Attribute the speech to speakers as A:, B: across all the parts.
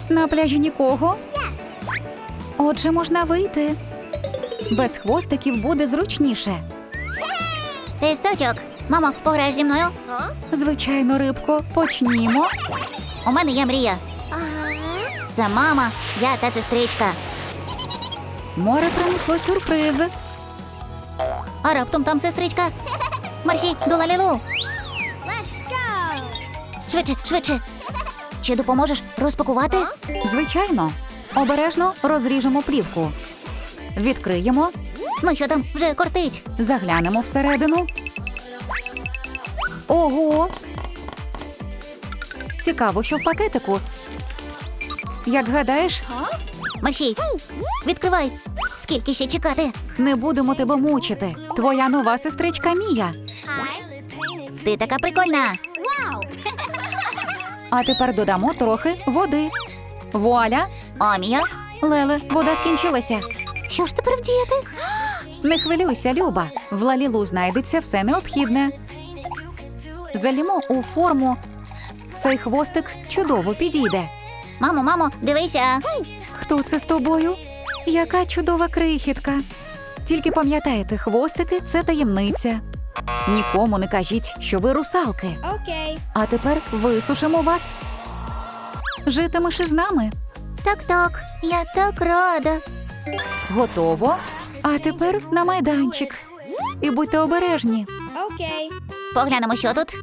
A: На пляжі нікого? Отже, можна вийти. Без хвостиків буде зручніше.
B: Ти сучок. Мамо, пограєш зі мною?
A: Звичайно, рибко, почнімо.
B: У мене є мрія. Це мама, я та сестричка.
A: Море принесло сюрприз.
B: А раптом там сестричка. Мархі, до Лалілу. Швидше, швидше. Чи допоможеш розпакувати?
A: Звичайно. Обережно розріжемо плівку. Відкриємо,
B: Ну що там, вже кортить.
A: заглянемо всередину. Ого! Цікаво, що в пакетику. Як гадаєш,
B: Мархі, відкривай. Скільки ще чекати?
A: не будемо тебе мучити. Твоя нова сестричка Мія.
B: Ти така прикольна.
A: А тепер додамо трохи води. Вуаля!
B: О, Мія.
A: Леле, вода скінчилася.
B: Що ж тепер вдіяти?
A: Не хвилюйся, Люба. В Лалілу знайдеться все необхідне. Залімо у форму. Цей хвостик чудово підійде.
B: Мамо, мамо, дивися.
A: Хто це з тобою? Яка чудова крихітка. Тільки пам'ятайте, хвостики – це таємниця. Нікому не кажіть, що ви русалки.
C: Окей.
A: А тепер висушимо вас. Житимеш із нами.
B: Так, я так рада.
A: Готово. А тепер на майданчик. І будьте обережні.
C: Окей.
B: Поглянемо, що тут.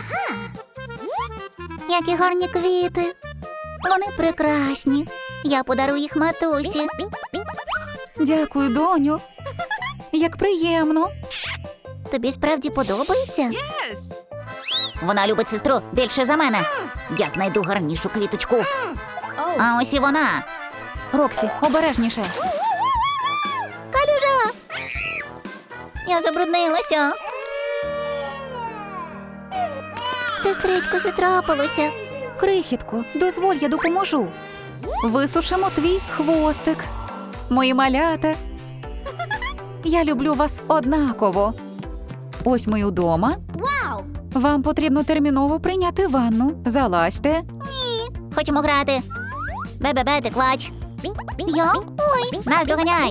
B: Які гарні квіти. Вони прекрасні. Я подарую їх матусі.
A: Дякую, доню. Як приємно.
B: Тобі справді подобається? Вона любить сестру більше за мене. Я знайду гарнішу квіточку. А ось і вона.
A: Роксі, обережніше.
B: Калюжа! Я забруднилася. Сестричко, що трапилося?
A: Крихітко, дозволь, я допоможу. Висушимо твій хвостик. Мої малята. Я люблю вас однаково. Ось ми удома. Вам потрібно терміново прийняти ванну. Залазьте.
B: Хочемо грати. Бе-бе-бе, ти клач. Я? Ой, нас доганяй.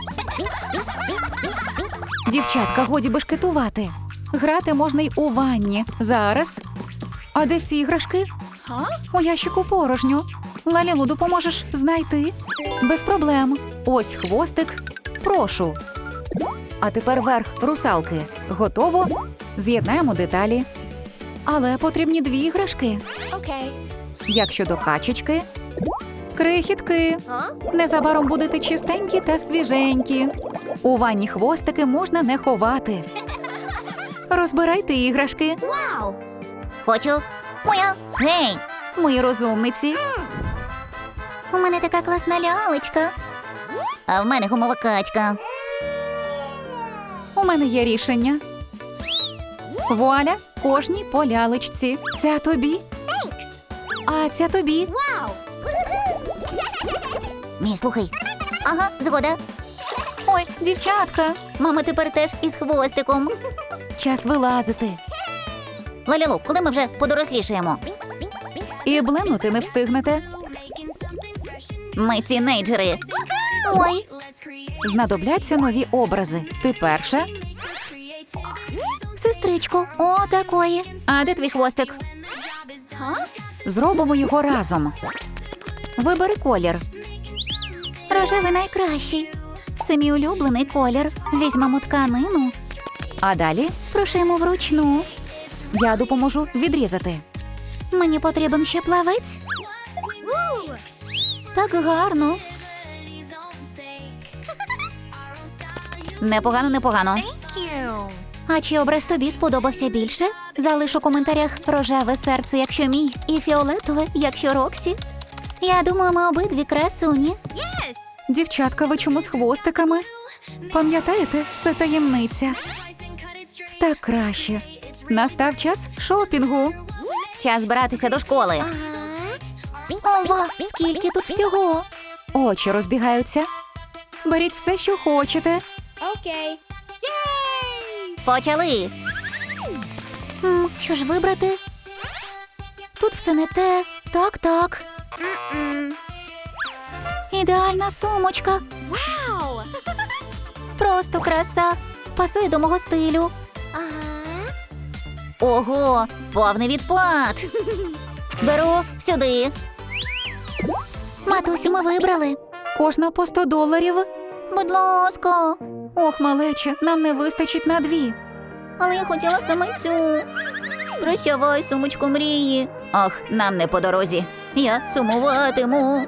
A: Дівчатка, годі бешкетувати. Грати можна й у ванні. Зараз. А де всі іграшки? У ящику порожньо. Лалілу, допоможеш знайти? Без проблем. Ось хвостик. Прошу. А тепер верх русалки. Готово? З'єднаємо деталі. Але потрібні дві іграшки.
C: Окей.
A: Як щодо качечки? Крихітки. Незабаром будете чистенькі та свіженькі. У ванні хвостики можна не ховати. Розбирайте іграшки.
B: Хочу. Моя. Гей,
A: Мої розумниці.
B: у мене така класна лялечка. А в мене гумова качка.
A: У мене є рішення. Вуаля, кожній по лялечці. Ця тобі. А ця тобі.
B: Мій, слухай. Ага, згода.
A: Ой, дівчатка.
B: Мама тепер теж із хвостиком.
A: Час вилазити.
B: Лалілу, коли ми вже подорослішаємо?
A: І блимнути не встигнете.
B: Ми тінейджери. Ой,
A: Знадобляться нові образи. Ти перша.
B: сестричко, о, такої. А де твій хвостик?
A: Зробимо його разом. Вибери колір.
B: Рожевий найкращий. Це мій улюблений колір. Візьмемо тканину.
A: А далі
B: Прошимо вручну.
A: я допоможу відрізати.
B: Мені потрібен ще плавець. Так гарно. Непогано, непогано. А чи образ тобі сподобався більше? Залиш у коментарях рожеве серце, якщо мій, і фіолетове, якщо Роксі. Я думаю, ми обидві красуні.
A: Дівчатка, ви чому з хвостиками? Пам'ятаєте, це таємниця. Так краще. Настав час шопінгу.
B: Час збиратися до школи. Ова, скільки тут всього.
A: Очі розбігаються. Беріть все, що хочете.
C: Окей.
B: Почали. Що ж вибрати? Тут все не те. Так. Ідеальна сумочка.
C: Wow.
B: Просто краса. Пасує до мого стилю. Ого, повний відпад. Беру сюди. Матусю, ми вибрали.
A: Кожна по $100.
B: Будь ласка.
A: Ох, малече, нам не вистачить на 2.
B: Але я хотіла саме цю. Прощавай, сумочку мрії. Ох, нам не по дорозі. Я сумуватиму.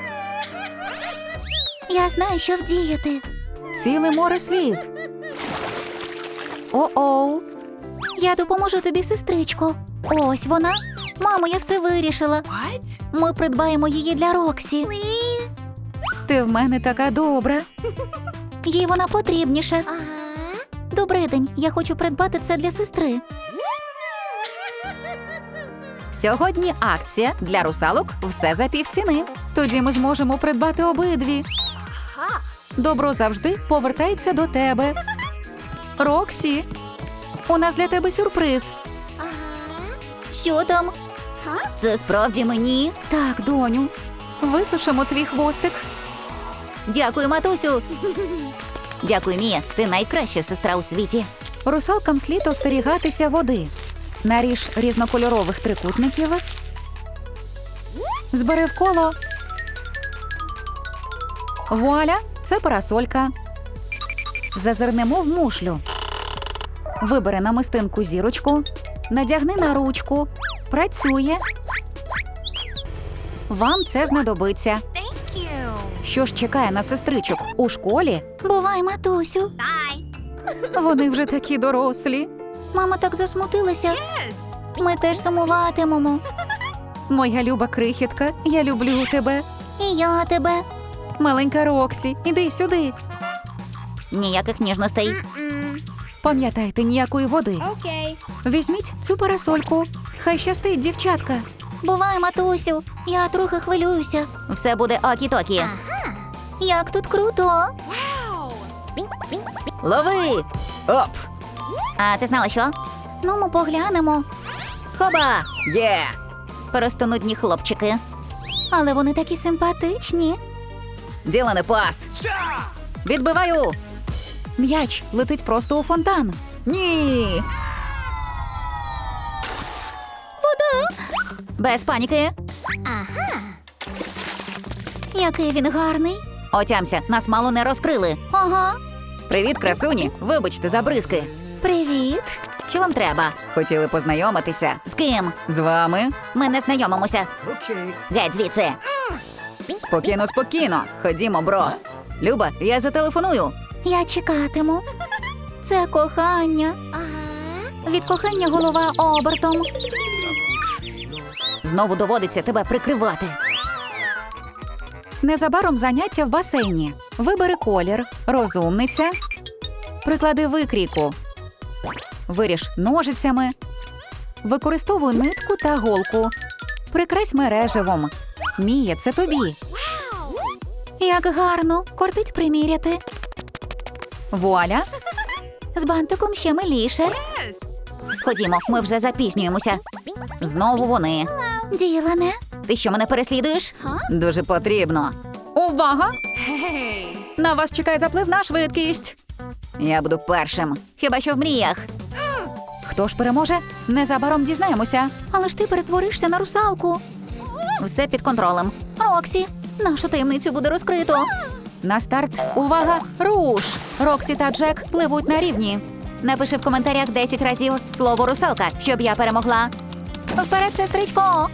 B: Я знаю, що вдіяти.
A: Ціле море сліз. О-оу.
B: Я допоможу тобі, сестричко. Ось вона. Мамо, я все вирішила.
C: What?
B: Ми придбаємо її для Роксі.
A: Ти в мене така добра.
B: Їй вона потрібніша. Добрий день, я хочу придбати це для сестри.
A: Сьогодні акція для русалок все за півціни. Тоді ми зможемо придбати обидві. Добро завжди повертається до тебе. Роксі, у нас для тебе сюрприз.
B: Що там? Це справді мені?
A: Так, доню, висушимо твій хвостик.
B: Дякую, матусю. Дякую, Мія. Ти найкраща сестра у світі.
A: Русалкам слід остерігатися води. Наріж різнокольорових трикутників. Збери в коло. Вуаля, це парасолька. Зазирнемо в мушлю. Вибери намистинку зірочку. Надягни на ручку. Працює. Вам це знадобиться.
C: Thank you.
A: Що ж чекає на сестричок у школі?
B: Бувай, матусю.
A: Вони вже такі дорослі.
B: Мама так засмутилася.
C: Yes.
B: Ми теж сумуватимемо.
A: Моя люба крихітка, я люблю тебе.
B: І я тебе.
A: Маленька Роксі, іди сюди.
B: Ніяких ніжностей.
A: Пам'ятайте, ніякої води.
C: Okay.
A: Візьміть цю парасольку. Хай щастить, дівчатка.
B: Бувай, матусю. Я трохи хвилююся. Все буде окі-токі. Як тут круто.
C: Wow.
A: Лови! Оп!
B: А ти знала що? Ну, ми поглянемо.
A: Хоба! Є!
B: Просто нудні хлопчики. Але вони такі симпатичні.
A: Ділане пас! Відбиваю! М'яч летить просто у фонтан. Ні!
B: Без паніки. Який він гарний.
A: Отямся, нас мало не розкрили.
B: Ага.
A: Привіт, красуні! Вибачте за бризки.
B: Привіт. Що вам треба?
A: Хотіли познайомитися.
B: З ким?
A: З вами?
B: Ми не знайомимося. Геть звідси.
A: Спокійно, спокійно. Ходімо, бро. Люба, я зателефоную.
B: Я чекатиму. Це кохання. Від кохання голова обертом.
A: Знову доводиться тебе прикривати. Незабаром заняття в басейні. Вибери колір, розумниця. Приклади викрійку. Виріж ножицями. Використовуй нитку та голку. Прикрась мереживом. Мія, це тобі.
B: Як гарно. Кортить приміряти.
A: Вуаля.
B: З бантиком ще миліше.
C: Yes.
B: Ходімо, ми вже запізнюємося.
A: Знову вони.
B: Ділане.
A: Ти що, мене переслідуєш? Дуже потрібно. Увага!
C: Hey.
A: На вас чекає заплив на швидкість. Я буду першим.
B: Хіба що в мріях.
A: Хто ж переможе? Незабаром дізнаємося.
B: Але ж ти перетворишся на русалку.
A: Все під контролем.
B: Роксі, нашу таємницю буде розкрито.
A: На старт. Увага! Руш! Роксі та Джек пливуть на рівні.
B: Напиши в коментарях 10 разів слово русалка, щоб я перемогла. Вперед, сестричко!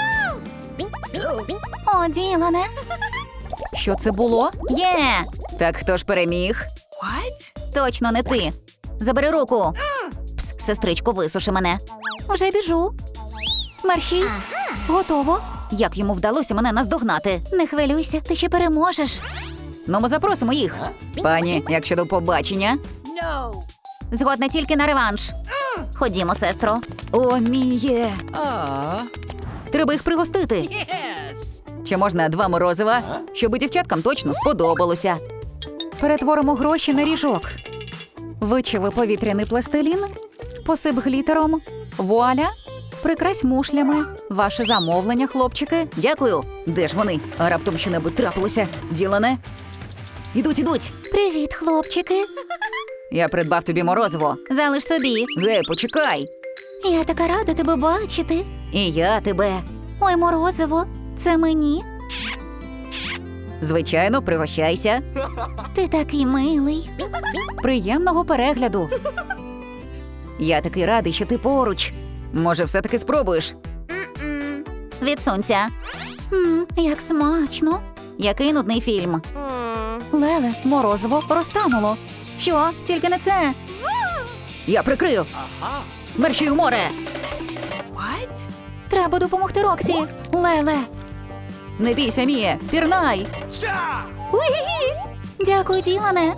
B: О, Ділане!
A: Що це було?
B: Є!
A: Так хто ж переміг?
C: What?
B: Точно не ти. Забери руку. Пс, сестричко, висуши мене. Вже біжу. Марші. Готово.
A: Як йому вдалося мене наздогнати?
B: Не хвилюйся, ти ще переможеш.
A: Ну, ми запросимо їх. Пані, як щодо побачення?
C: No.
B: Згодна тільки на реванш. Ходімо, сестро.
A: О, Міє. Треба їх пригостити. Чи можна 2 морозива? Щоб дівчаткам точно сподобалося. Перетворимо гроші на ріжок. Вичави повітряний пластилін. Посип глітером. Вуаля. Прикрась мушлями. Ваше замовлення, хлопчики. Дякую. Де ж вони? А раптом що-небудь трапилося. Ділане? Ідуть.
B: Привіт, хлопчики.
A: Я придбав тобі морозиво.
B: Залиш собі.
A: Гей, почекай.
B: Я така рада тебе бачити.
A: І я тебе.
B: Ой, морозиво, це мені.
A: Звичайно, пригощайся.
B: Ти такий милий.
A: Приємного перегляду. Я такий радий, що ти поруч. Може, все-таки спробуєш?
B: Відсунься. Як смачно.
A: Який нудний фільм.
B: Леле,
A: Морозиво розтануло.
B: що? Тільки не це.
A: Я прикрию. Мерщій у море.
C: What?
B: Треба допомогти Роксі. Леле.
A: Не бійся, Міє, пірнай.
B: Уї! Дякую, Ділане.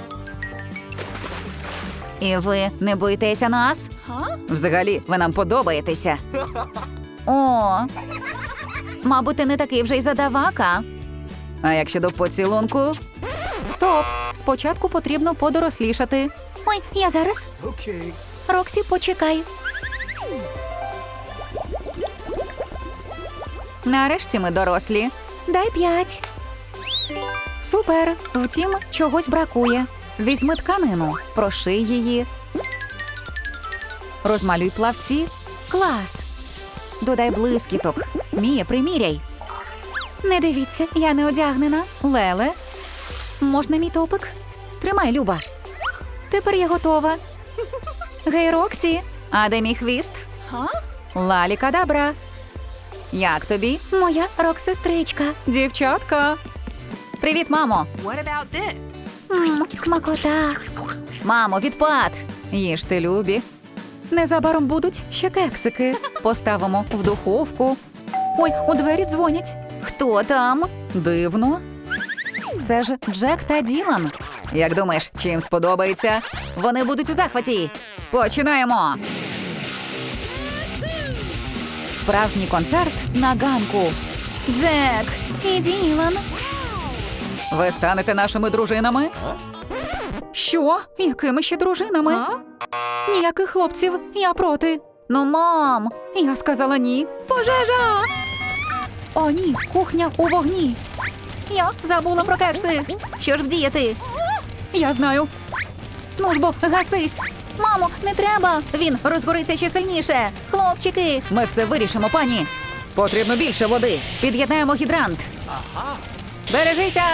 A: І ви не боїтеся нас?
C: Huh?
A: Взагалі, ви нам подобаєтеся.
B: О, мабуть, ти не такий вже й задавака.
A: А як щодо поцілунку? Стоп! Спочатку потрібно подорослішати.
B: Ой, я зараз. Роксі, почекай.
A: Нарешті ми дорослі.
B: Дай 5.
A: Супер! Втім, чогось бракує. Візьми тканину, проший її. Розмалюй плавці. Клас! Додай блискіток. Мія, приміряй.
B: Не дивіться, я не одягнена.
A: Леле,
B: Можна мій топик?
A: тримай, Люба.
B: Тепер я готова. Гей, Роксі.
A: А де мій хвіст?
C: Huh?
A: Лалі-кадабра. Як тобі?
B: Моя рок-сестричка.
A: Дівчатка. Привіт, мамо.
C: What about this?
B: Смакота.
A: Мамо, відпад. Їж ти, Любі. Незабаром будуть ще кексики. Поставимо в духовку. Ой, у двері дзвонять. Хто там? Дивно. Це ж Джек та Ділан. Як думаєш, чи їм сподобається? Вони будуть у захваті. Починаємо. Справжній концерт на ганку. Джек і Ділан. Ви станете нашими дружинами? Що? Якими ще дружинами?
C: Huh?
A: Ніяких хлопців, я проти. Ну, мам, я сказала ні. Пожежа! О, ні, кухня у вогні. Я забула про кекси. Що ж вдіяти? Я знаю. Ну ж бо, гасись.
B: Мамо, не треба.
A: Він розгориться ще сильніше.
B: Хлопчики.
A: Ми все вирішимо, пані. Потрібно більше води. Під'єднаємо гідрант. Бережися!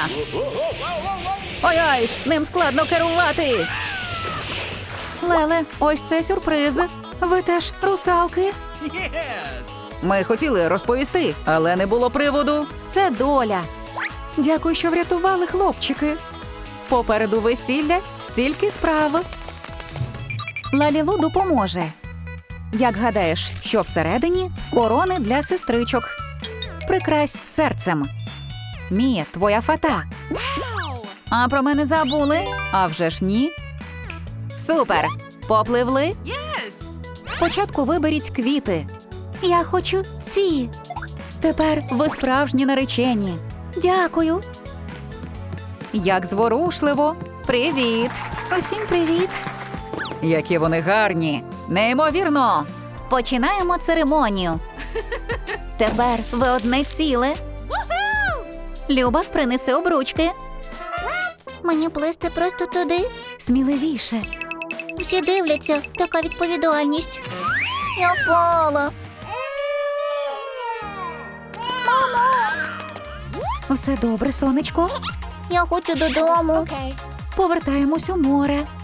A: Ой-ой, ним складно керувати. Леле, ось це сюрприз. Ви теж русалки? Ми хотіли розповісти, але не було приводу. Це доля. Дякую, що врятували, хлопчики. Попереду весілля стільки справ. Лалілу допоможе. Як гадаєш, що всередині? Корони для сестричок. Прикрась серцем. Мія, твоя фата.
C: Wow!
A: А про мене забули? А вже ж ні. Супер! Попливли?
C: Yes!
A: Спочатку виберіть квіти.
B: Я хочу ці.
A: Тепер ви справжні наречені.
B: Дякую.
A: Як зворушливо. Привіт!
B: Усім привіт.
A: Які вони гарні. Неймовірно.
B: Починаємо церемонію. Тепер ви одне ціле. Люба, принеси обручки. Мені плисти просто туди.
A: Сміливіше.
B: Всі дивляться, така відповідальність. Я впала.
A: Усе добре, сонечко.
B: Я хочу додому.
C: Okay.
A: Повертаємось у море.